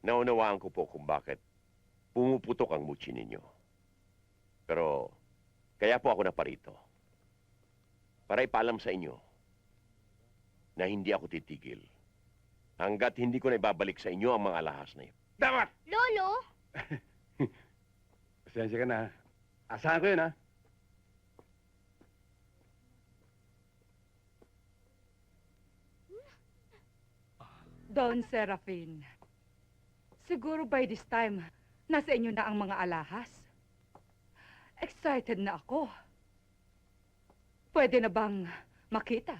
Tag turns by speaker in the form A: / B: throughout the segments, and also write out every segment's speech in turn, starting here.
A: Naunawaan ko po kung bakit pumuputok ang mutsi ninyo. Pero, kaya po ako naparito. Para ipaalam sa inyo na hindi ako titigil hanggat hindi ko na ibabalik sa inyo ang mga alahas na yun.
B: Dapat!
C: Lolo?
B: Pasensya ka na. Asahan ko yun, ha?
D: Don Serafin, siguro by this time, nasa inyo na ang mga alahas. Excited na ako. Pwede na bang makita?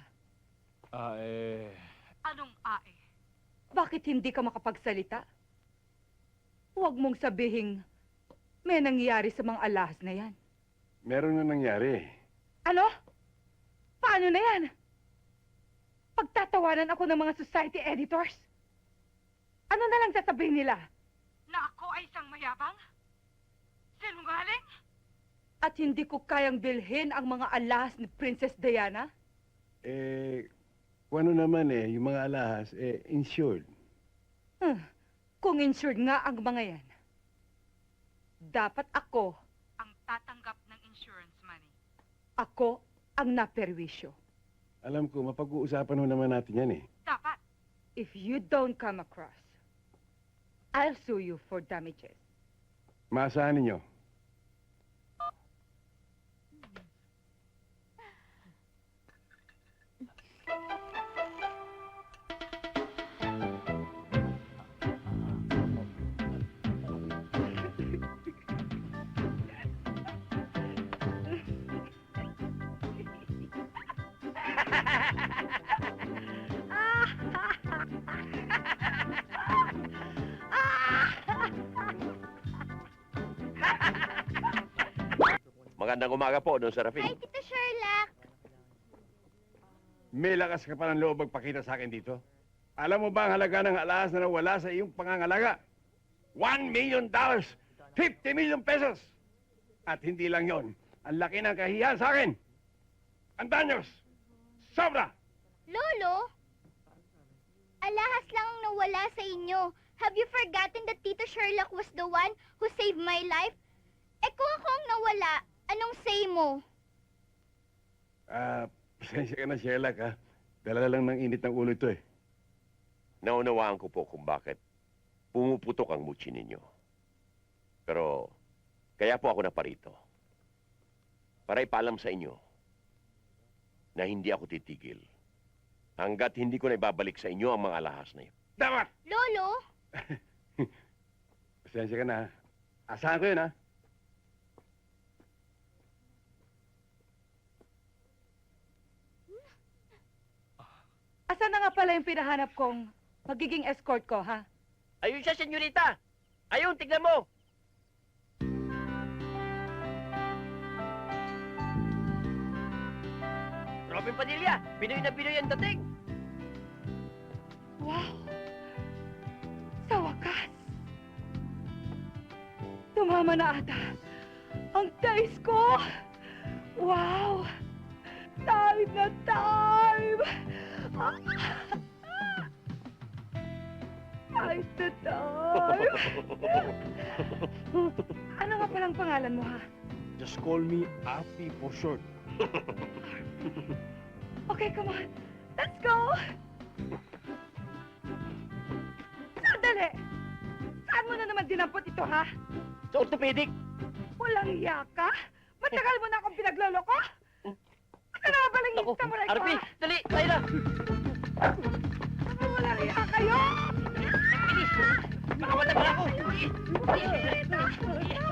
D: Anong ae? Bakit hindi ka makapagsalita? Huwag mong sabihing may nangyari sa mga alahas na yan.
B: Meron na nangyari.
D: Ano? Paano na yan? Pagtatawanan ako ng mga society editors? Ano na lang sasabihin nila? Na ako ay isang mayabang? Sinungaling? At hindi ko kayang bilhin ang mga alahas ni Princess Diana?
B: Kung ano naman yung mga alahas, insured.
D: Kung insured nga ang mga yan, dapat ako ang tatanggap ng insurance money. Ako ang naperwisyo.
B: Alam ko, mapag-uusapan ho naman natin yan,
D: Dapat. If you don't come across, I'll sue you for damages.
B: Maasahan ninyo.
A: Magandang umaga po, Don Serafin.
C: Hi, Tito Sherlock.
B: May lakas ka pa ng loob magpakita sa akin dito. Alam mo ba ang halaga ng alahas na nawala sa iyong pangangalaga? $1 million! 50 million pesos! At hindi lang yon, ang laki ng kahiyan sa akin! Ang danyos! Sobra!
C: Lolo? Alahas lang ang nawala sa inyo. Have you forgotten that Tito Sherlock was the one who saved my life? Kung ako ang nawala, anong say mo?
B: Pasensya ka na, Sherlock, ha? Dala lang ng init ng ulo ito,
A: Naunawaan ko po kung bakit pumuputok ang mutsi ninyo. Pero, kaya po ako naparito. Para ipaalam sa inyo na hindi ako titigil hanggat hindi ko na ibabalik sa inyo ang mga alahas na yun.
B: Dapat!
C: Lolo?
B: Pasensya ka na, ha? Asahan ko yun, ha?
D: Asan na nga pala yung pinahanap kong magiging escort ko, ha?
E: Ayun siya, senyorita. Ayun, tignan mo. Robin Padilla, Pinoy na Pinoy ang dating.
D: Wow! Sa wakas! Tumama na ata ang taste ko! Wow! Time na time! Time na time! Ano nga palang pangalan mo, ha?
B: Just call me Api for short.
D: Okay, come on. Let's go! Sandali! Saan mo na naman dinampot ito, ha?
E: Sa orthopedic.
D: Walang iya ka? Matagal mo na akong pinagloloko? Ano na balang
E: Naku,
D: ista mo na ito,
E: Arpi,
D: ha?
E: dali, tayo na.
D: Walang iya kayo!
E: Bilis, baka matanggal ako.
D: Bilis!